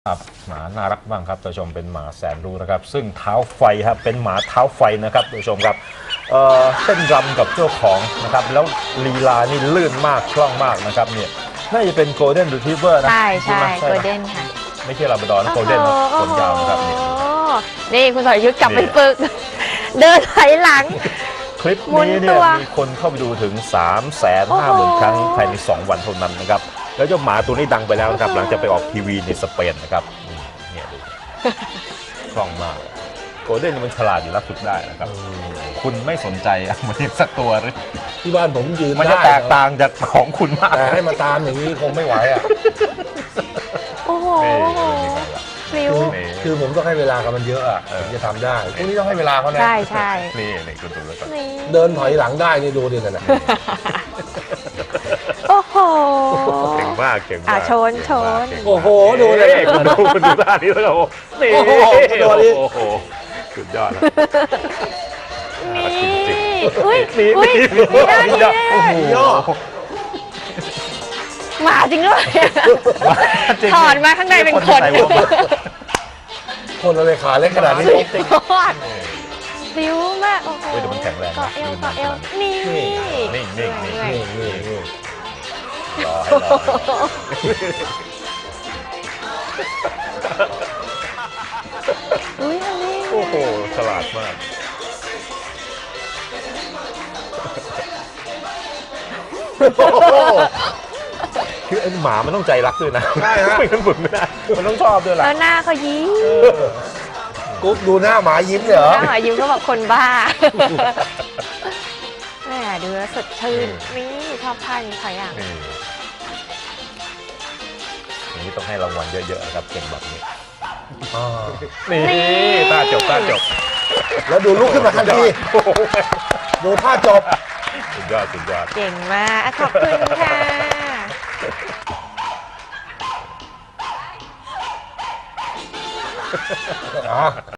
ครับหมาน่ารักบ้างครับท่านผู้ชมเป็นหมาแสนรู้นะครับซึ่งเท้าไฟครับเป็นหมาเท้าไฟนะครับท่านผู้ชมครับเต้นรำกับเจ้าของนะครับแล้วลีลานี่ลื่นมากคล่องมากนะครับเนี่ยน่าจะเป็นโกลเด้นรีทรีเวอร์นะใช่ใช่โกลเด้นค่ะไม่ใช่ลาบราดอร์นะโกลเด้นนะขนยาวนะครับนี่คุณสรยุทธกลับไปฝึกเดินถอยหลังคลิปนี้เนี่ยมีคนเข้าไปดูถึง 350,000 ครั้งภายใน2 วันเท่านั้นนะครับแล้วเจ้าหมาตัวนี้ดังไปแล้วนะครับหลังจากไปออกทีวีในสเปนนะครับเนี่ยดูคล่องมากโกลเด้นมันฉลาดอยู่รับฝึกได้นะครับคุณไม่สนใจมันสักตัวหรือที่บ้านผมยืนมันจะแตกต่างจากของคุณมากแต่ให้มาตามอย่างนี้คงไม่ไหวอ่ะโอ้โหพลิ้วคือผมต้องให้เวลากับมันเยอะอ่ะผมจะทำได้พวกนี้ต้องให้เวลาเขานะใช่ใช่นี่คุณดูแล้วก่อนเดินถอยหลังได้นี่ดูดินั่นน่ะโอ้โหเก่งมากเก่งมากชนโอ้โหดูเลยคุณดูท่านี้แล้วโอ้นี่โอ้โหสุดยอดแล้วนี่อุ้ยโอ้โหหมาจริงด้วยถอดมาข้างในเป็นคนคนอะไรขาเล็กขนาดนี้พลิ้วมากโอ้โหแต่มันแข็งแรงเกาะเอวนี่รอให้อุ้ยอันนี้โอ้โหฉลาดมากคือไอ้หมามันต้องใจรักด้วยนะใช่ฮะไม่งั้นฝึกไม่ได้มันต้องชอบด้วยล่ะแล้วหน้าเขายิ้มกุ๊บดูหน้าหมายิ้มเหรอหน้าหมายิ้มก็แบบคนบ้าแหมดูแล้วสดชื่นนี่ชอบท่านี้ค่ะอย่างนี้ต้องให้รางวัลเยอะๆครับเก่งแบบนี้นี่ท่าจบแล้วดูลุกขึ้นมาทันทีดูท่าจบสุดยอดเก่งมากขอบคุณค่ะ